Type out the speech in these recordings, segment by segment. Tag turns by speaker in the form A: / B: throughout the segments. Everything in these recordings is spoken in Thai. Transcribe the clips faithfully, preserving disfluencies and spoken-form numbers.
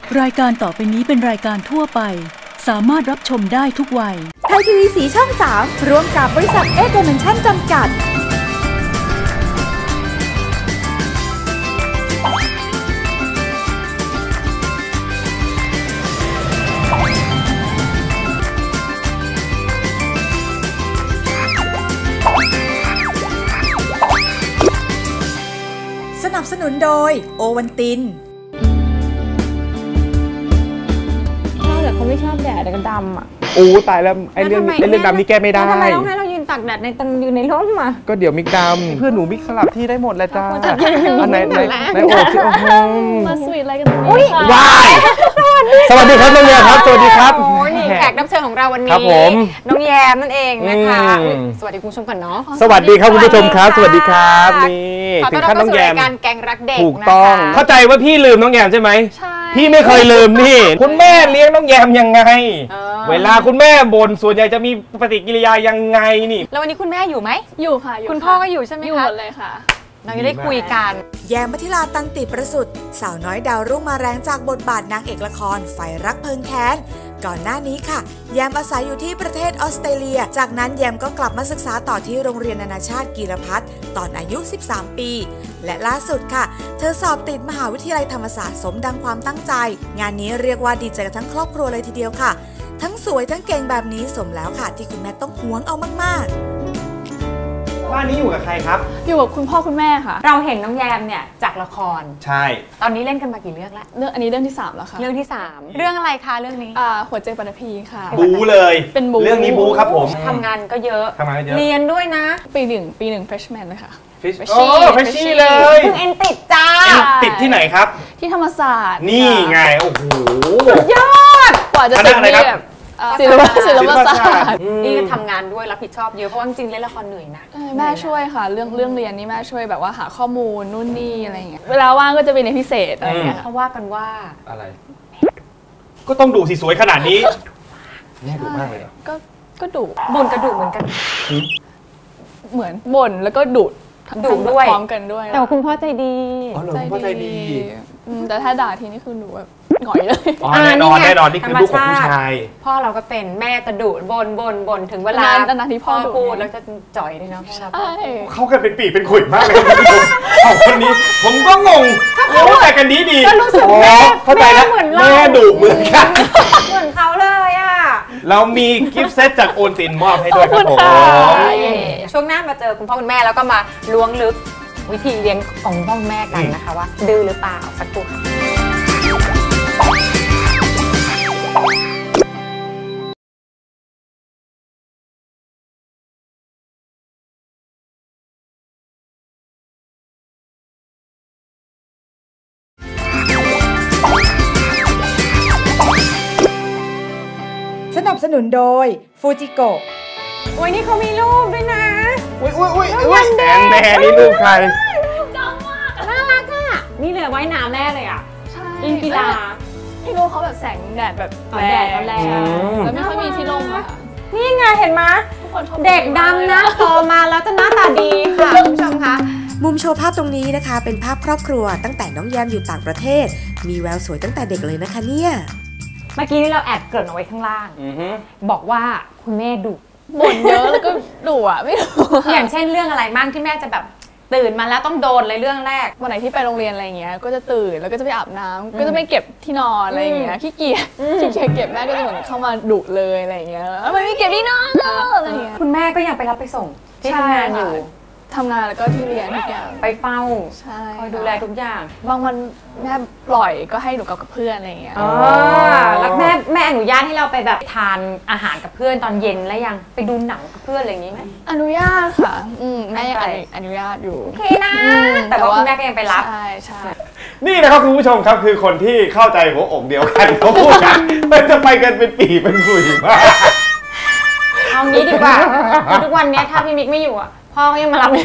A: รายการต่อไปนี้เป็นรายการทั่วไปสามารถรับชมได้ทุกวัย
B: ไทยทีวีสีช่องสามร่วมกับบริษัทเอเดเมนชั่นจำกัดสนับสนุนโดยโอวัลติน
C: แต่เขาไม่ชอบแดดแต่ก็ดำอ่ะ
D: โอ้ตายแล้วไอ้เรื่องไอ้เรื่องดำนี่แก้ไม่ได้
C: ทำไมต้องให้เรายืนตากแดดในตังยืนในร่มอ่ะ
D: ก็เดี๋ยวมิกดำเพื่อนหนูมิกสลับที่ได้หมดแล้วจ้าอันไหนไหนไหนโอ้ชิโอ้โห
C: มาสวีทอะไรกันตรงนี้
D: ว้ายสวัสดีครับน้องแยมครับสวัสดีครับ
C: โอ้นี่แขกรับเชิญของเราวันนี้
D: ครับผม
C: น้องแยมนั่นเองนะคะสวัสดีคุณผู้ชมก่อนเนาะ
D: สวัสดีครับคุณผู้ชมครับสวัสดีครับนี่ถึงขั้นน้องแยม
C: การแกงรักเด็ก
D: ถูกต้องเข้าใจว่าพี่ลืมน้องแยมใช่ไหมใช่พี่ไม่เคยลืมนี่คุณแม่เลี้ยงน้องแยมยังไงเวลาคุณแม่บ่นส่วนใหญ่จะมีปฏิกิริยายังไงนี่
C: แล้ววันนี้คุณแม่อยู่ไหม
E: อยู่ค่ะ
C: คุณพ่อก็อยู่ใช่ไหมคะ
E: อยู่หมดเลยค่ะ
C: เราจะได้คุยกัน
B: แยม มัธิลา ตันติประสุทธิ์สาวน้อยดาวรุ่งมาแรงจากบทบาทนางเอกละครไฟรักเพลิงแค้นก่อนหน้านี้ค่ะแยมอาศัยอยู่ที่ประเทศออสเตรเลียจากนั้นแยมก็กลับมาศึกษาต่อที่โรงเรียนนานาชาติกีรพัฒน์ตอนอายุสิบสามปีและล่าสุดค่ะเธอสอบติดมหาวิทยาลัยธรรมศาสตร์สมดังความตั้งใจงานนี้เรียกว่าดีใจกันทั้งครอบครัวเลยทีเดียวค่ะทั้งสวยทั้งเก่งแบบนี้สมแล้วค่ะที่คุณแม่ต้องหวงเอามาก
D: ๆบ้านนี้อยู่กับใครครับ
E: อยู่กับคุณพ่อคุณแม่ค่ะ
C: เราเห็นน้องแยมเนี่ยจากละคร
D: ใช่
C: ตอนนี้เล่นกันมากี่เรื่องแล้ว
E: เรื่องอันนี้เรื่องที่สามแล้วค่ะ
C: เรื่องที่สามเรื่องอะไรคะเรื่องนี้
E: อ่าหัวใจปฐพีค่ะ
D: บูเลย
E: เป็นบู
D: เรื่องนี้บูครับผม
C: ทำงานก็เยอะ
D: ทำงานก็เยอะ
C: เรียนด้วยนะ
E: ปีหนึ่งปีหนึ่ง freshman เลยค่ะ
D: โอ้เฟรชชี่เลย
C: เพิ่งเอ็นติดจ้า
D: ติดที่ไหนครับ
E: ที่ธรรมศาสตร์
D: นี่ไงโอ้โห
C: ยอด
E: กว่าจะติดนี่แบบศิลปศิลปศาสตร์
C: นี่ก็ทำงานด้วยรับผิดชอบเยอะเพราะจริงๆเล่นละครเหนื่อยนะ
E: แม่ช่วยค่ะเรื่องเรื่องเรียนนี่แม่ช่วยแบบว่าหาข้อมูลนู่นนี่อะไรอย่างเงี้ยเวลาว่างก็จะไปในพิเศษอะไรอย่างเงี้ย
C: เขาว่ากันว่า
D: อะไรก็ต้องดุสิสวยขนาดนี้แม่ดุมากเลย
E: ก็ก็ดุ
C: บ่นกระดุเหมือนกัน
E: เหมือนบ่นแล้วก็ดุ
C: ดุด้วย
E: พร้อมกันด้วย
C: แต่คุณพ่อใจดี
D: อ๋อเหรอคุณพ่อใจดี
E: แต่ถ้าด่าทีนี่คือหนูแบบหงอยเลย
D: อ๋อแน่นอนแน่นอนนี่คือลูกของผู้ชาย
C: พ่อเราก็เป็นแม่จะดุบ่นบ่นบ่นถึงเวลา
E: นาที่พ่อ
C: พูดแล้วจะจ่อยเลยนะพ่อเรา
D: เขากันเป็นปีเป็นขุ่นมากเลยคุณผู้ชมเอาคนนี้ผมก็งงเขาแต่กันดีดี
C: ก็รู้สึกแม่
D: เข้าใจแล้วแม่ดุเหมือนกัน
C: เหมือนเขาเลยอ่ะ
D: เรามีกิฟต์เซตจากโอนตินมอบให้ด้วยครับผม
C: ช่วงหน้ามาเจอคุณพ่อคุณแม่แล้วก็มาล้วงลึกวิธีเลี้ยงของพ่อแม่กันนะคะว่าดื้อหรือเปล่าสักครู่
B: สนับสนุนโดยฟูจิโกะ
C: โอ้ยนี่เขามีรูปด้วยนะ
D: อุ้ยอุ้ยอุ้ยอุ้ยแอนแม่นี่รูปใคร
C: จังมากน่ารักอ่ะนี่เลยว่ายน้ำแน่เลยอ่ะ
E: ใช่
C: เล่นกีฬา
E: ที่รูปเขาแบบแสงแดดแบบ
C: แดดแรง
E: แล้วไม่ค่อยมีที่ร่มอ่ะ
C: นี่ไงเห็นไหมเด็กดำนะโตมาแล้วจะหน้าตาดีค่ะคุณผู้ชมคะ
B: มุมโชว์ภาพตรงนี้นะคะเป็นภาพครอบครัวตั้งแต่น้องแยมอยู่ต่างประเทศมีแววสวยตั้งแต่เด็กเลยนะคะเนี่ย
C: เมื่อกี้ที่เราแอบเกริ่นเอาไว้ข้างล่างบอกว่าคุณแม่ดุ
E: บ่นเยอะแล้วก็ดุอ่ะไม่รู้
C: อย่างเช่นเรื่องอะไรบ้างที่แม่จะแบบตื่นมาแล้วต้องโดนเลยเรื่องแรก
E: วันไหนที่ไปโรงเรียนอะไรเงี้ยก็จะตื่นแล้วก็จะไปอาบน้ำก็จะไม่เก็บที่นอนอะไรเงี้ยขี้เกียจขี้เกียจเก็บแม่ก็จะเหมือนเข้ามาดุเลยอะไรเงี้ยทำไมไม่เก็บที่นอนอะไรเงี้ย
C: คุณแม่ก็ยังไปรับไปส่งที่ทำงานอยู่
E: ทำงานแล้วก็ที่เรียนทุกอย่าง
C: ไปเฝ้า
E: ใช่
C: คอยดูแลทุกอย่าง
E: บางวันแม่ปล่อยก็ให้หนูกับเพื่อนอะไรอย่างเงี้ย
C: อ๋อแล้วแม่แม่อนุญาตให้เราไปแบบทานอาหารกับเพื่อนตอนเย็นแล้วยังไปดูหนังกับเพื่อนอะไรอย่างงี้ไหม
E: อนุญาตค่ะอืมแม่ยังอนุญาตอยู่
C: โอเคนะแต่ว่าคุณแม่ก็ยังไปรับ
E: ใช่ใช่
D: นี่นะครับคุณผู้ชมครับคือคนที่เข้าใจหัวอกเดียวกันเขาพูดกันมันจะไปกันเป็นปีเป็นคุยมาก
C: เอางี้ดีกว่าทุกวันนี้ถ้าพี่มิกไม่อยู่อ่ะพ่อก็ยังมารับ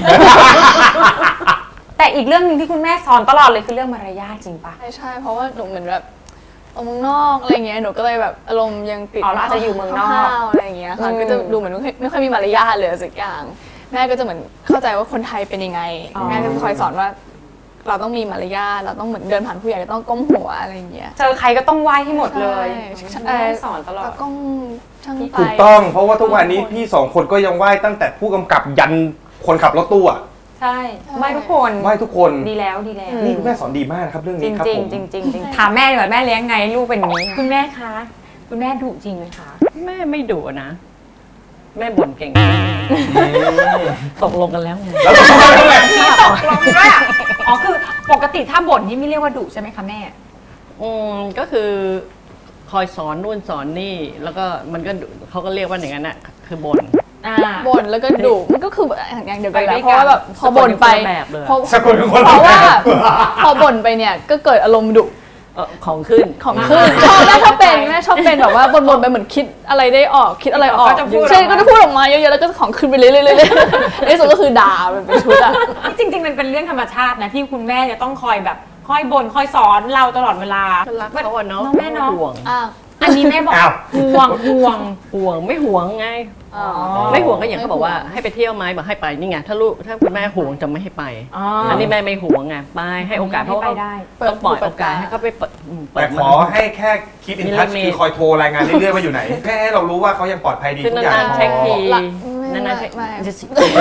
C: แต่อีกเรื่องหนึ่งที่คุณแม่สอนตลอดเลยคือเรื่องมารยาทจริงปะ
E: ใช่ใช่เพราะว่าหนูเหมือนแบบออกเมืองนอกอะไรเงี้ยหนูก็เลยแบบอารมณ์ยังติด
C: อ๋อเราจะอยู่เมืองนอก
E: อะไรเงี้ยค่ะก็จะดูเหมือนไม่ค่อยมีมารยาทเลยสักอย่างแม่ก็จะเหมือนเข้าใจว่าคนไทยเป็นยังไงแม่ก็คอยสอนว่าเราต้องมีมารยาทเราต้องเหมือนเดินผ่านผู้ใหญ่ก็ต้องก้มหัวอะไรอย่างเงี้ย
C: เจอใครก็ต้องไหว้ให้หมดเลย
E: ใช่
C: แม่สอนตลอด
E: ก้มช่างไฟ
D: ถูกต้องเพราะว่าทุกวันนี้พี่สองคนก็ยังไหว้ตั้งแต่ผู้กำกับยันคนขับรถตู้อะ
C: ใช่ไหว้ทุกคน
D: ไหว้ทุกคน
C: ดีแล้วดีแล้ว
D: นี่คุณแม่สอนดีมากนะครับเรื่อง
C: จ
D: นี้
C: ริง
D: ครับ
C: จริง
D: ผม
C: จริงจริงจริงถามแม่ดีกว่าแม่เลี้ยงไงลูกเป็นอย่างนี้ คุณแม่คะคุณแม่ดุจริงไหมคะ
F: แม่ไม่ดุนะ แม่บ่นเก่งตกลงกันแล้วไง
D: แล้วก็ช่วยด้วย
C: มีตกลงด้วยอะอ๋อคือปกติถ้าบ่นนี่ไม่เรียกว่าดุใช่ไหมคะแม่
F: อืมก็คือคอยสอนนู่นสอนนี่ แล้วก็มันก็ดุเขาก็เรียกว่าอย่างนั้นน่ะคือบ่น
C: อ่า
E: บ่นแล้วก็ดุมันก็คืออย่างเดียวกันแห
C: ไป
E: ละ
C: ด้วย
E: เพราะว่าแบบพอบ่นไป
F: สะกดเป็นคนละแบบเลย
E: เพราะ
D: สะกดเป็นคนละ
E: เพราะว่า
D: แบบ
E: พอบ่นไปเนี่ยก็เกิดอารมณ์ดุ
F: เอ่อของขึ้น
E: ของขึ้นชอบแม่ชอบเป็นแม่ชอบเป็นแบบว่าบ่นๆไปเหมือนคิดอะไรได้ออกคิดอะไรออก
C: ก็จะพูดออกมา
E: ใช่ก็จะพูดออกมาเยอะๆแล้วก็ของขึ้นไปเรื่อยๆเรื่อยๆในที่สุดก็คือด่าเป็นชุดอะ
C: จริงๆมันเป็นเรื่องธรรมชาตินะที่คุณแม่จะต้องคอยแบบคอยบ่นคอยสอนเราตลอดเวลา
F: รักเขาอะเนาะ
C: น้องแม่เนาะ
F: ห่วง
E: อ่ะ
C: อันนี้แม่บอก
D: อ้าว
C: ห่วงห่วง
F: ห่วงไม่ห่วงไง
E: อ๋อ
F: ไม่ห่วงก็อย่างเขาบอกว่าให้ไปเที่ยวไหมบอกให้ไปนี่ไงถ้าลูกถ้าคุณแม่ห่วงจะไม่ให้ไป
C: อ๋อ
F: อันนี้แม่ไม่ห่วงไงไปให้โอกาสเพราะ
C: ให้
F: ว่า
C: ไปได้
F: ต้องปล่อยโอกาสให้เขาไปเปิดอืมเปิ
D: แต่
F: ด
D: ขอให้แค่คิดอินทัช
F: มี
D: คือคอยโทรรายงานเรื่อยๆว่าอยู่ไหนแค่ให้เรารู้ว่าเขายังปลอดภัยดี
F: คือ
D: ทุกอย่าง
F: นานๆเช็คที
E: ละ
F: นานๆเช็ค
E: ไม่
F: จะสิ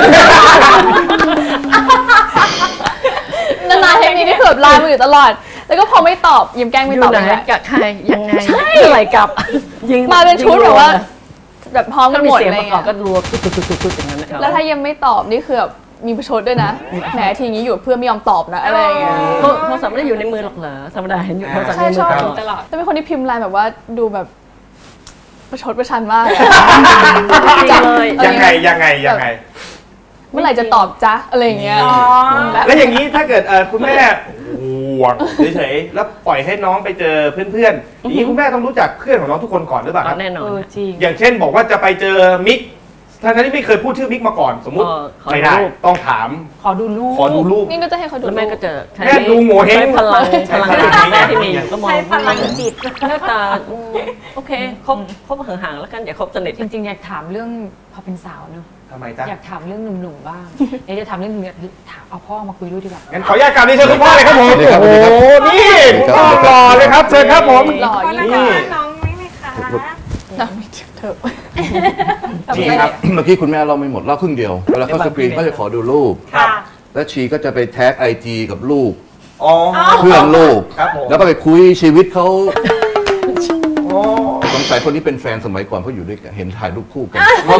E: นานๆเทคนิคที่คือแบบไลน์มาอยู่ตลอด แล้วก็พอไม่ตอบยิ้มแกล้ง
F: อ
E: ไม่ต
F: ยู่
E: อบ
F: ไหน
E: เลย
F: กับใครยังไง
E: ใช่
F: เมื่อไหร่กลับยิง
E: มาเป็นชุดแบบว่า แบบพร้อมกั
F: ถ้าน มี
E: หมด
F: เสียง
E: อะไร
F: ประกอบ
E: เงี้ย
F: ก็รัวตุ๊กๆๆๆอย่างนั้นนะครับ
E: แล้วถ้ายังไม่ตอบนี่คือแบบมีประชดด้วยนะแหมทีนี้อยู่เพื่อนไม่ยอมตอบนะอะไรอย่างเงี้ย
F: โทรโทรศัพท์ไม่ได้อยู่ในมือหรอกเหรอธรรมดาเห็นอยู่โทรศัพท์
E: ใช่
F: ในมื
E: ช
F: อ
E: อบ
F: ตลอด
C: ตลอด
E: แต่เป็นคนที่พิมพ์ไลน์แบบว่าดูแบบประชดประชันมากอะ
F: จริงเลย
D: ยังไงยังไงยังไง
E: เมื่อไหร่จะตอบจ๊ะอะไรอย่างเงี้ย
C: อ๋อ
D: แล้วอย่างนี้ถ้าเกิดเอ่อคุณแม่ห่วงเฉยๆแล้วปล่อยให้น้องไปเจอเพื่อนๆอย่างนี้คุณแม่ต้องรู้จักเพื่อนของน้องทุกคนก่อนหรือเปล่าครับ
F: แน่นอ
C: เอน อจริง
D: อย่างเช่นบอกว่าจะไปเจอมิกทั้งที่ไม่เคยพูดชื่อมิกมาก่อน สมมุติ
F: เออขอดู
D: ไม่ได้
F: รูป
D: ต้องถาม
C: ขอดูลูก
D: ขอดูรูป
E: นี่ก็จะให้เขาดู
F: แล้วแม่ก็จะใช้
D: แม่ดูโง่เห้ง
F: ใช้พลัง
D: ใช้
F: พลัง
D: พลัง
F: แม่ที่มีอยู่ก็มอง
C: ใช้พลังจิต
F: หน้าตาอืมโอเคคบคบห่างๆแล้วกันอย่าคบสนิท
C: จริงๆ อยากถามเรื่องพอเป็นสาวเนอะ
D: ทำไมจ๊ะ
C: อยากถามเรื่องหนุ่มๆบ้างเดี๋ยวจะถามเรื่องหนุ่มๆถามเอาพ่อมาคุยด้วยดีกว่า
D: งั้นขออนุญาตกราบเรียนเชิญคุณพ่อเลยครับผม
G: สวัสดีครับ
D: โอ้โหนี่คุณพ่อหล่อเลยครับเชิญครับผม
E: หล่อยิ่ง
D: นี่
C: น้องไม่ไหมคะ
E: นะไม่เถอะ
G: ชีครับ เมื่อกี้คุณแม่เราไม่หมดเล่าครึ่งเดียวเวลาเข้าสกรีนเขาจะขอดูรูป
C: ค่ะ
G: แล้วชีก็จะไปแท็กไอจีกับลูก
D: อ๋อ
G: เพื่อนลูก
D: ครับผม
G: แล้วก็ไปคุยชีวิตเขา
D: โอ้
G: สงสัยคนนี้เป็นแฟนสมัยก่อนเพราะอยู่ด้วยกันเห็นถ่ายรูปคู่กัน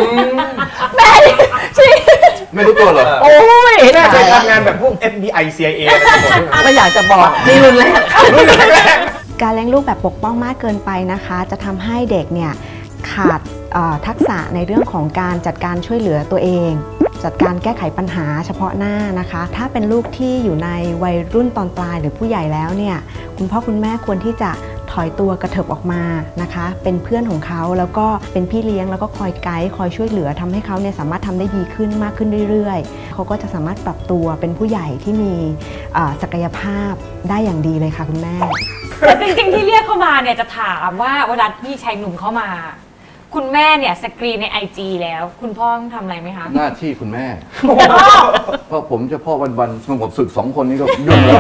G: ไม่รู้ตัวเหรอ
D: โอ้ยแม่เคยทำงานแบบพวก เอฟ บี ไอ ซี ไอ เอ นะครับผม
F: ไม่อยากจะบอกนี่รุนแรง
H: การเลี้ยงลูกแบบปกป้องมากเกินไปนะคะ จะทำให้เด็กเนี่ยขาดเอ่อทักษะในเรื่องของการจัดการช่วยเหลือตัวเอง จัดการแก้ไขปัญหาเฉพาะหน้านะคะ ถ้าเป็นลูกที่อยู่ในวัยรุ่นตอนปลายหรือผู้ใหญ่แล้วเนี่ยคุณพ่อคุณแม่ควรที่จะถอยตัวกระเถิบออกมานะคะ เป็นเพื่อนของเขาแล้วก็เป็นพี่เลี้ยงแล้วก็คอยไกด์คอยช่วยเหลือทำให้เขาเนี่ยสามารถทำได้ดีขึ้นมากขึ้นเรื่อยๆเขาก็จะสามารถปรับตัวเป็นผู้ใหญ่ที่มีเอ่อศักยภาพได้อย่างดีเลยค่ะคุณแม่
C: แต่จริงๆ ที่เรียกเข้ามาเนี่ยจะถามว่าเวลาพี่ชายหนุ่มเข้ามา คุณแม่เนี่ยสกรีนในไอจีแล้ว คุณพ่อต้องทำอะไรไหมคะ
G: หน้าที่คุณแม่ เพราะผมจะพ่อวันๆสงบศึกสองคนนี้ก็ยุ่งแล้ว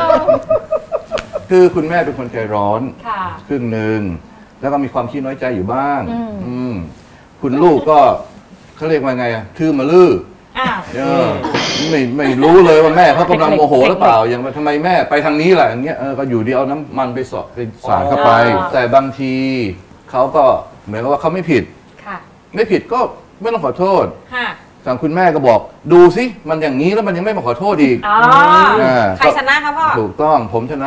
G: คือคุณแม่เป็นคนใจร้อน
C: ค่ะ
G: ครึ่งหนึ่งแล้วก็มีความขี้น้อยใจอยู่บ้างอืมคุณลูกก็เขาเรียกว่าไงอะทื่อมาลื้อ
C: อ้าว
G: เออไม่ไม่รู้เลยว่าแม่เขากำลังโมโหหรือเปล่า อย่างว่าทำไมแม่ไปทางนี้ล่ะอย่างเงี้ยเออก็อยู่ดีเอาน้ำมันไปสอดไปสาดเข้าไป แต่บางทีเขาก็เหมือนกับว่าเขาไม่ผิด
C: ค่ะ
G: ไม่ผิดก็ไม่ต้องขอโทษ
C: ค่ะ
G: ทางคุณแม่ก็บอกดูสิมันอย่างนี้แล้วมันยังไม่มาขอโทษอีก
C: อ๋อ
G: อ่า
C: ใครชนะคะพ่อ
G: ถูกต้องผมชนะ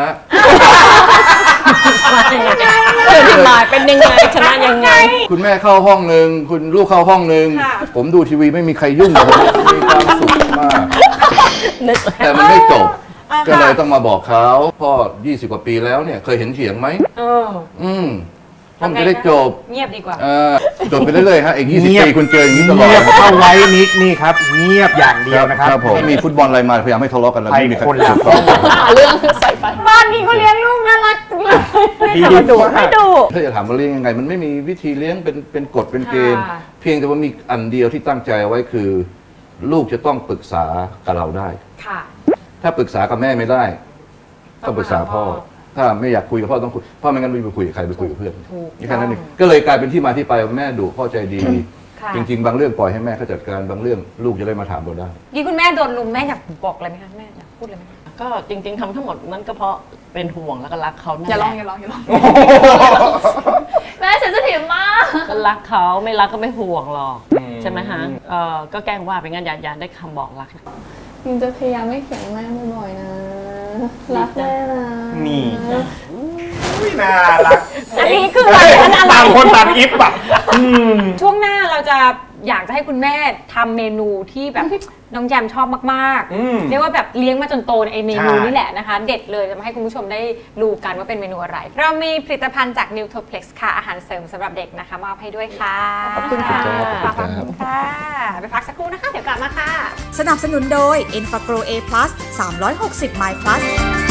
F: เออที่มาเป็นยังไงชนะยังไง
G: คุณแม่เข้าห้องหนึ่งคุณลูกเข้าห้องหนึ่ง
C: ค่ะ
G: ผมดูทีวีไม่มีใครยุ่งผมมีความสุขมาก
F: นึก
G: แต่มันไม่จบ ก็เลยต้องมาบอกเขาพ่อยี่สิบกว่าปีแล้วเนี่ยเคยเห็นเถียงไหม
C: เออ
G: อืมพ่อมันจะได้จบ
C: เงียบดีกว่า
G: เออจบไปเรื่อยๆฮะอีกยี่สิบ
D: เงียบ
G: ปีคุณเจออย่างนี้ตลอ
D: เงีย
G: ด
D: บเข้าไว้นิกนี่ครับ เงียบอย่างเดียวนะครับ
G: ผมไม่มีฟุตบอลอะไรมาพยายามให้ทะเลาะกันแล้ว
D: ไป
G: ไม่มีใคร
D: คนละ
G: ถูกต้อง
E: หาเรื่องใส่ไฟ
C: บ้านนี้เขาเลี้ยงลูกน่ารักจังเลย
D: ดี
F: ไม่ดุ
D: มาก
F: ไม่ดุ
G: ถ้าจะถามว่าเลี้ยงยังไง มันไม่มีวิธีเลี้ยงเป็นเป็นกฎเป็นเกณฑ์
C: ค่ะ
G: เพียงแต่ว่ามีอันเดียวที่ตั้งใจเอาไว้คือ ลูกจะต้องปรึกษากับเราได้
C: ค่ะ
G: ถ้าปรึกษากับแม่ไม่ได้ต้องปรึกษาพ่อถ้าไม่อยากคุยกับพ่อต้องคุยพ่อไม่งั้นไม่ไปคุยกับใครไปคุยกับเพื่อนแค่นั้นเองก็เลยกลายเป็นที่มาที่ไปแม่ดุพ่อใจดีจริงๆบางเรื่องปล่อยให้แม่เขาจัดการบางเรื่องลูกจะได้มาถามเราได้
C: ยี่คุณแม่โดนลุมแม่อยากบอกอะไรไหมคะแม่อยากพูดอะไรไหม
F: ก็จริง ๆทำทั้งหมดนั้นก็เพราะเป็นห่วงแล้วก็รักเขา
E: อย่าลองอย่าลองอย่าลองแม่เซนซิทีฟมาก
F: ก็รักเขาไม่รักก็ไม่ห่วงหรอกใช่ไหมฮะเออก็แกล้งว่าไปงั้นอย่าอย่าได้คำบอกรัก
E: ยิงจะพยายามไม่เขียนแม่บ่อยๆนะรักแม่นะ
D: นี่น่ารัก
C: อันนี้คืออะไร
D: ต่างคนต่างอิฟอ่ะ
C: ช่วงหน้าเราจะอยากจะให้คุณแม่ทำเมนูที่แบบน้องแยมชอบมากๆเรียกว่าแบบเลี้ยงมาจนโตในไอเมนูนี่แหละนะคะเด็ดเลยจะมาให้คุณผู้ชมได้รู้กันว่าเป็นเมนูอะไรเรามีผลิตภัณฑ์จาก Nutriplex ค่ะอาหารเสริมสำหรับเด็กนะคะมอบให้ด้วยค่ะ
F: ขอบคุณค่ะ
C: ขอบคุณค่ะไปพักสักครู่นะคะเดี๋ยวกลับมาค่ะ
B: สนับสนุนโดย Enfagro A plus สามร้อยหกสิบ My Plus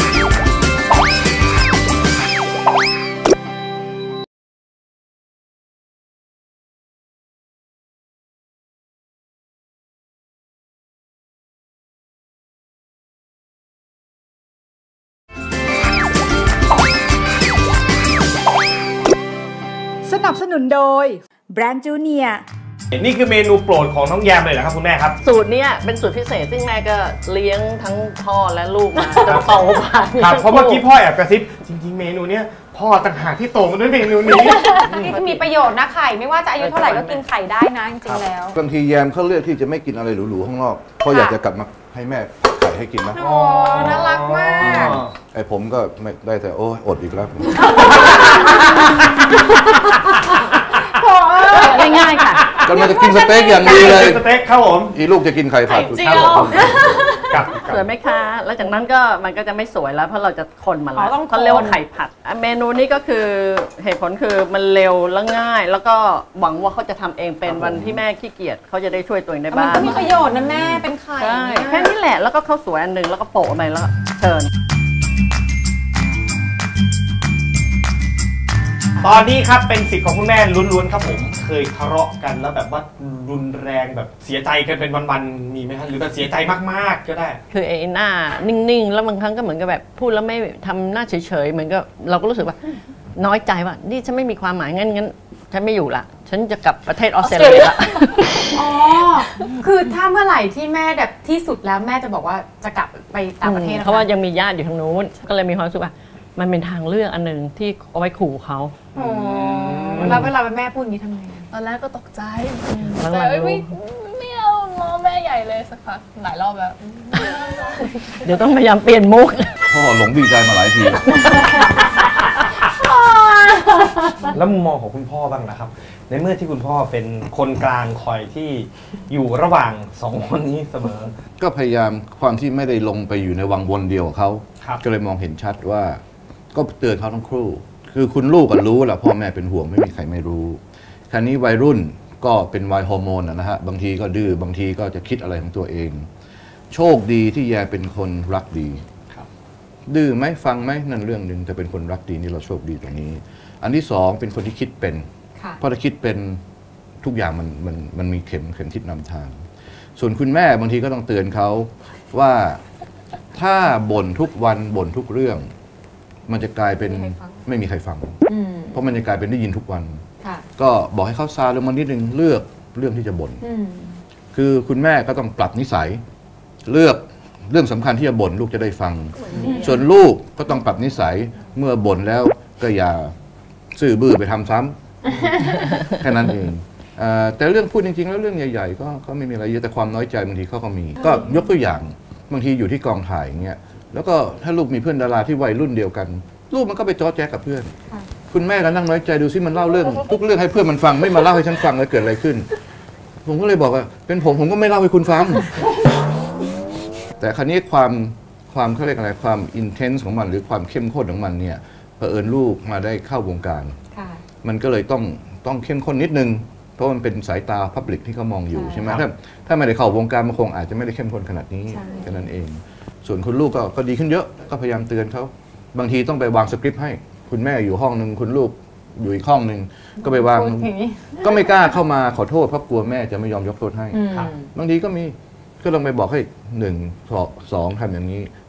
B: สนับสนุนโดยแบรนด์จูเนียร์
D: นี่คือเมนูโปรดของน้องแยมเลยนะครับคุณแม่ครับ
F: สูตรนี้เป็นสูตรพิเศษซึ่งแม่ก็เลี้ยงทั้งพ่อและลูกมาจนโตมา
D: ครับเพราะเมื่อกี้พ่อแอบกระซิบจริงๆเมนูเนี้ยพ่อต่างหากที่โตมาด้วยเมนูนี้
C: นี่ก็มีประโยชน์นะไข่ไม่ว่าจะอายุเท่าไหร่ก็กินไข่ได้นะจริงๆแล้ว
G: บางทีแยมเขาเลือกที่จะไม่กินอะไรหรูๆข้างนอกเพราะอยากจะกลับมาให้แม่ไข่ให้กินนะ
C: โอ้น่ารักมาก
G: ไอ้ผมก็ไม่ได้แต่โอ้อดอีกแล้ว
F: ง่ายๆค่ะ
G: ก็มันจะกินสเต็กอย่างดีเลย
D: สเต็กครับผม
G: อีลูกจะกินไข่ผัด
F: เจียวสวยไหมคะแล้วจากนั้นก็มันก็จะไม่สวยแล้วเพราะเราจะคนมันแล้วเขาเรียกว่าไข่ผัดเมนูนี้ก็คือเหตุผลคือมันเร็วและง่ายแล้วก็หวังว่าเขาจะทำเองเป็นวันที่แม่ขี้เกียจเขาจะได้ช่วยตัวเองได้บ้าง
C: มันก็มีประโยชน์นะแม่เป็นไข่
F: แค่นี้แหละแล้วก็ข้าวสวยอันหนึ่งแล้วก็โปะไปแล้วเชิญ
D: ตอนนี้ครับเป็นสิทธิ์ของคุณแม่ล้วนๆครับผมเคยทะเลาะกันแล้วแบบว่ารุนแรงแบบเสียใจกันเป็นวันๆมีไหมครับหรือแบบเสียใจมากๆก็ได้
F: คือไอ้หน้านิ่งๆแล้วบางครั้งก็เหมือนกับแบบพูดแล้วไม่ทำหน้าเฉยๆเหมือนกับเราก็รู้สึกว่าน้อยใจว่านี่ฉันไม่มีความหมายงั้นงั้นฉันไม่อยู่ละฉันจะกลับประเทศออสเตรเลียละ
C: อ๋อคือถ้าเมื่อไหร่ที่แม่แบบที่สุดแล้วแม่จะบอกว่าจะกลับไปต่างประเทศ
F: เพราะว่ายังมีญาติอยู่ทางนู้นก็เลยมีความรู้สึกว่ามันเป็นทางเลือกอันหนึ่งที่เอาไว้ขู่เขา
C: แล้วเวลาแม่พูดอย่างนี้ทำไง
E: ตอนแรกก็ตกใจแต่ไม่ไม่เอาล้อแม่ใหญ่เลยสักพักหลายรอบแล้ว
F: เดี๋ยวต้องพยายามเปลี่ยนมุก
G: พ่อหลงดีใจมาหลายที
D: แล้วมุมมองของคุณพ่อบ้างนะครับในเมื่อที่คุณพ่อเป็นคนกลางคอยที่อยู่ระหว่างสองคนนี้เสมอ
G: ก็พยายามความที่ไม่ได้ลงไปอยู่ในวังวนเดียวเขาก็เลยมองเห็นชัดว่าก็เตือนเขาทั้งคู่คือคุณลูกก็รู้แหละพ่อแม่เป็นห่วงไม่มีใครไม่รู้คราวนี้วัยรุ่นก็เป็นวัยฮอร์โมนนะฮะบางทีก็ดื้อบางทีก็จะคิดอะไรของตัวเองโชคดีที่แยเป็นคนรักดีดื้อไหมฟังไหมนั่นเรื่องหนึ่งแต่เป็นคนรักดีนี่เราโชคดีตรงนี้อันที่สองเป็นคนที่คิดเป็นเพราะถ้าคิดเป็นทุกอย่างมันมันมันมีเข็มเข็มทิศนำทางส่วนคุณแม่บางทีก็ต้องเตือนเขาว่าถ้าบ่นทุกวันบ่นทุกเรื่องมันจะกลายเป็นไม่มีใครฟังเพราะมันจะกลายเป็นได้ยินทุกวันก็บอกให้เขาซาลงมานิดนึงเลือกเรื่องที่จะบ่นคือคุณแม่ก็ต้องปรับนิสัยเลือกเรื่องสำคัญที่จะบ่นลูกจะได้ฟังส่วนลูกก็ต้องปรับนิสัยเมื่อบ่นแล้วก็อย่าซื่อบื้อไปทำซ้ำแค่นั้นเองแต่เรื่องพูดจริงๆแล้วเรื่องใหญ่ๆก็ก็ไม่มีอะไรเยอะแต่ความน้อยใจบางทีเขาก็มีก็ยกตัวอย่างบางทีอยู่ที่กองถ่ายอย่างเงี้ยแล้วก็ถ้าลูกมีเพื่อนดาราที่วัยรุ่นเดียวกันลูกมันก็ไปจ้อแจ๊กกับเพื่อนคุณแม่ก็นั่งน้อยใจดูซิมันเล่าเรื่องทุกเรื่องให้เพื่อนมันฟังไม่มาเล่าให้ฉันฟังแล้วเกิดอะไรขึ้นผมก็เลยบอกว่าเป็นผมผมก็ไม่เล่าให้คุณฟังแต่คราวนี้ความความเขาเรียกอะไรความอินเทนส์ของมันหรือความเข้มข้นของมันเนี่ยเผอิญลูกมาได้เข้าวงการมันก็เลยต้องต้องเข้มข้นนิดนึงเพราะมันเป็นสายตาพับลิกที่เขามองอยู่ใช่ไหมถ้าถ้าไม่ได้เข้าวงการมันคงอาจจะไม่ได้เข้มข้นขนาดนี้แค่นั้นเองส่วนคุณลูกก็ก็ดีขึ้นเยอะก็พยายามเตือนเขาบางทีต้องไปวางสคริปต์ให้คุณแม่อยู่ห้องหนึ่งคุณลูกอยู่อีกห้องหนึ่งก็ไปวางก็ไม่กล้าเข้ามาขอโทษเพราะกลัวแม่จะไม่ยอมยกโทษให้บางทีก็มีก็ลองไปบอกให้หนึ่งสองทำอย่างนี้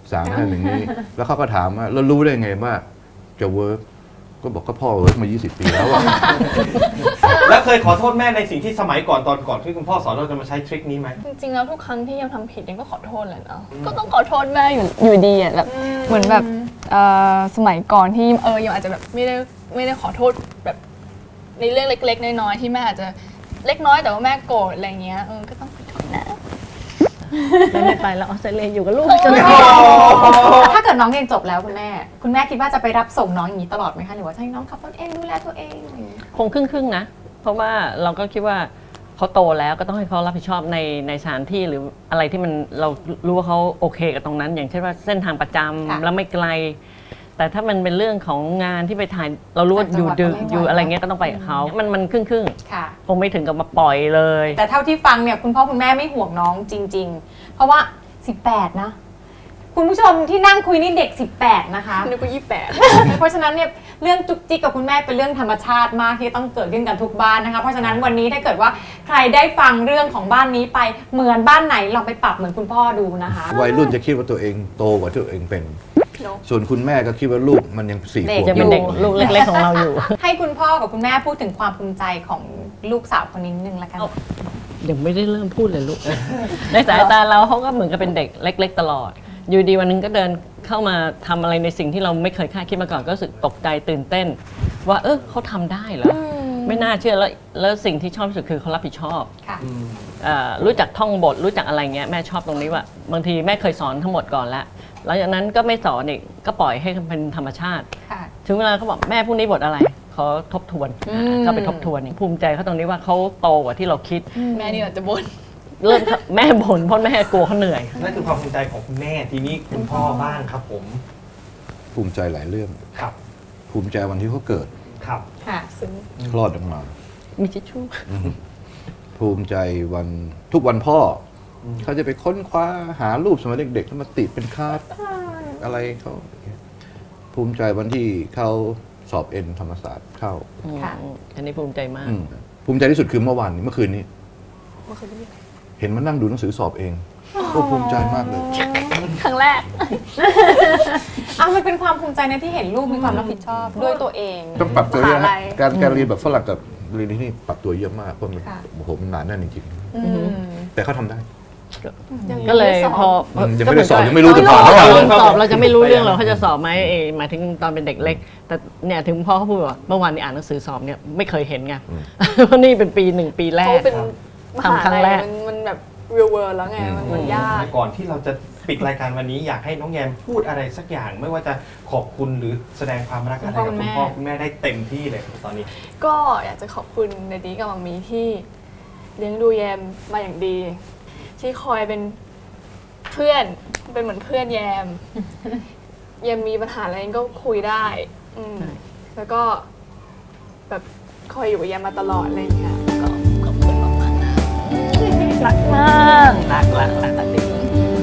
G: สั่งให้อย่างนี้แล้วเขาก็ถามว่าแล้วรู้ได้ไงว่าจะเวิร์กก็บอกก็พ่อเวิร์กมายี่สิบปีแล้วอะ
D: แล้วเคยขอโทษแม่ในสิ่งที่สมัยก่อนตอนก่อนที่คุณพ่อสอนเราจะมาใช้ทริคนี้ไหม
E: จริงๆแล้วทุกครั้งที่ยังทำผิดยังก็ขอโทษแหละเนาะก็ต้องขอโทษแม่อยู่อยู่ดีอ่ะแบบเหมือนแบบสมัยก่อนที่เออยังอาจจะแบบไม่ได้ไม่ได้ขอโทษแบบในเรื่องเล็กๆน้อยๆที่แม่อาจจะเล็กน้อยแต่ว่าแม่โกรธอะไรเงี้ยเออก็ต้องขอโทษนะ
F: แม่ไม่ไปแล้วออสเตรเลียอยู่กับลูกจน
C: ถ้าเกิดน้องเรียนจบแล้วคุณแม่คุณแม่คิดว่าจะไปรับส่งน้องอย่างนี้ตลอดไหมคะหรือว่าจะให้น้องขับรถเองดูแลตัวเอง
F: คงครึ่งๆนะเพราะว่าเราก็คิดว่าเขาโตแล้วก็ต้องให้เขารับผิดชอบในในสถานที่หรืออะไรที่มันเรารู้ว่าเขาโอเคกับตรงนั้นอย่างเช่นว่าเส้นทางประจำแล้วไม่ไกลแต่ถ้ามันเป็นเรื่องของงานที่ไปถ่ายเรารู้ว่าอยู่ดึกอยู่อะไรเงี้ยก็ต้องไปกับเขามันมันครึ่งครึ่งคงไม่ถึงกับมาปล่อยเลย
C: แต่เท่าที่ฟังเนี่ยคุณพ่อคุณแม่ไม่ห่วงน้องจริงๆเพราะว่าสิบแปดนะคุณผู้ชมที่นั่งคุยนี่เด็กสิบแปดนะคะ
E: นึกว่ายี่สิบแปด
C: เพราะฉะนั้นเนี่ยเรื่องจุกจิกกับคุณแม่เป็นเรื่องธรรมชาติมากที่ต้องเกิดขึ้นกันทุกบ้านนะคะเพราะฉะนั้นวันนี้ถ้าเกิดว่าใครได้ฟังเรื่องของบ้านนี้ไปเหมือนบ้านไหนลองไปปรับเหมือนคุณพ่อดูนะคะ
G: วัยรุ่นจะคิดว่าตัวเองโตกว่าที่ตัวเองเป็นส่วนคุณแม่ก็คิดว่าลูกมันยังสี่ขวบ
F: จะเป็นเด็กลูกเล็กๆของเราอยู่
C: ให้คุณพ่อกับคุณแม่พูดถึงความภูมิใจของลูกสาวคนนี้นึงละกัน
F: ยังไม่ได้เริ่มพูดเลยลูกในสายตาเราเขาก็เหมือนกับเป็นเด็กเล็กๆตลอดอยู่ดีวันนึงก็เดินเข้ามาทำอะไรในสิ่งที่เราไม่เคยคาดคิดมาก่อนก็รู้สึกตกใจตื่นเต้นว่าเออเขาทำได้เหรอไม่น่าเชื่อแล้วแล้วสิ่งที่ชอบที่สุดคือเขารับผิดชอบรู้จักท่องบทรู้จักอะไรเงี้ยแม่ชอบตรงนี้ว่าบางทีแม่เคยสอนทั้งหมดก่อนแล้วหลังจากนั้นก็ไม่สอนอีกก็ปล่อยให้เป็นธรรมชาติถึงเวลาเขาบอกแม่พรุ่งนี้บทอะไรเขาทบทวนก็ไปทบทวนภูมิใจเขาตรงนี้ว่าเขาโตกว่าที่เราคิด
E: แม่นี่อาจจะบ่น
F: เริ่มแม่บ่นเพราะแม่กลัวเขาเหนื่อย
D: นั่นคือความภูมิใจของคุณแม่ทีนี้คุณพ่อบ้างครับผม
G: ภูมิใจหลายเรื่อง
D: ครับ
G: ภูมิใจวันที่เขาเกิด
D: ครับ
C: ค่ะซึ้ง
G: คลอดออกมา
F: มีทิชชู่
G: ภูมิใจวันทุกวันพ่อเขาจะไปค้นคว้าหารูปสมัยเด็กๆแล้วมาติดเป็นคาร์ดอะไรเขาภูมิใจวันที่เขาสอบเอ็นธรรมศาสตร์เข้า
F: อันนี้ภูมิใจมาก
G: ภูมิใจที่สุดคือเมื่อวานนี้เมื่อคืนนี้เห็นมันนั่งดูหนังสือสอบเองก็ภูมิใจมากเลย
E: ครั้งแรก
C: อ่ะมันเป็นความภูมิใจนะที่เห็นลูกมีความรับผิดชอบด้วยตัวเอง
G: ต้องปรับตัวเยอะนะการการเรียนแบบฝรั่งกับเรียนที่นี่ปรับตัวเยอะมากเพราะมันโอ้โหมันหนาแน่นจริงๆแต่เขาทำได้
F: ก็เลยพอ
G: ยังไม่ได้สอบยังไม่รู้จะผ่านเท่าไหร่
F: สอบเราจะไม่รู้เรื่องเราเขาจะสอบไหมเอหมายถึงตอนเป็นเด็กเล็กแต่เนี่ยถึงพ่อเขาพูดว่าเมื่อวานนี้อ่านหนังสือสอบเนี่ยไม่เคยเห็นไงเพราะนี่เป็นปีหนึ่งปีแรก
E: ทำครั้งแรกมันแบบ real world แล้วไงมันยาก
D: ก่อนที่เราจะปิดรายการวันนี้อยากให้น้องแยมพูดอะไรสักอย่างไม่ว่าจะขอบคุณหรือแสดงความรักอะไรกับคุณพ่อคุณแม่ได้เต็มที่เลยตอนนี้
E: ก็อยากจะขอบคุณในดีกับมัมมี่ที่เลี้ยงดูแยมมาอย่างดีที่คอยเป็นเพื่อนเป็นเหมือนเพื่อนแยมแยมมีปัญหาอะไรก็คุยได้แล้วก็แบบคอยอยู่กับแยมมาตลอดอะไรอย่างเงี้ยก็ขอบคุณมากมากนะ
F: รักมากรักรักรักรักดี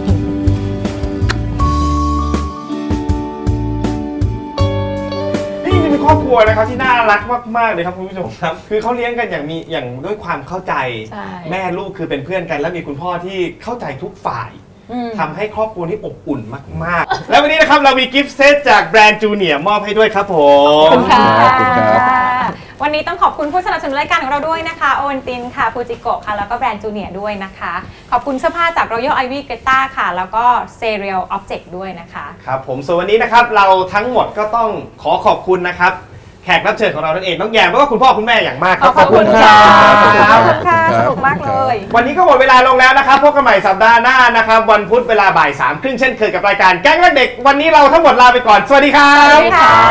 D: ครอบครัวนะครับที่น่ารักมากๆเลยครับคุณผู้ชมครับคือเขาเลี้ยงกันอย่างมีอย่างด้วยความเข้าใจแม่ลูกคือเป็นเพื่อนกันและมีคุณพ่อที่เข้าใจทุกฝ่ายทำให้ครอบครัวที่อบอุ่นมากๆแล้ววันนี้นะครับเรามีกิฟต์เซตจากแบรนด์จูเนียร์มอบให้ด้วยครับผม
C: ขอบคุณค่ะวันนี้ต้องขอบคุณผู้สนับสนุนรายการของเราด้วยนะคะโอวันตินค่ะฟูจิโกะค่ะแล้วก็แบรนด์จูเนียร์ด้วยนะคะขอบคุณเสื้อผ้าจาก Royal Ivy Greta ค่ะแล้วก็ Serial Object ด้วยนะคะ
D: ครับผมส่วนวันนี้นะครับเราทั้งหมดก็ต้องขอขอบคุณนะครับแขกรับเชิญของเรานั่นเองน้องแยมแล้วก็คุณพ่อคุณแม่อย่างมาก
C: ครับขอบคุณค่ะขอบคุณค่ะสนุกมากเลย
D: วันนี้ก็หมดเวลาลงแล้วนะครับพบกันใหม่สัปดาห์หน้านะครับวันพุธเวลาบ่ายสามครึ่งเช่นเคยกับรายการแก๊งรักเด็กวันนี้เราทั้งหมดลาไปก่อนสวัสดีครับ
C: สวัสดีค่ะ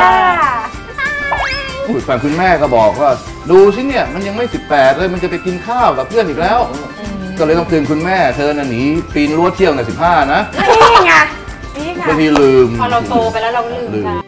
G: คุณคุณแม่ก็บอกว่าดูสิเนี่ยมันยังไม่สิบแปดเลยมันจะไปกินข้าวกับเพื่อนอีกแล้วก็เลยต้องเตือนคุณแม่เธอน่ะหนีปีนรั้วเที่ยวในสิบห้านะ
C: นี่ไงนี่ไง
G: บางทีลืม
C: พอเราโตไปแล้วเราลืม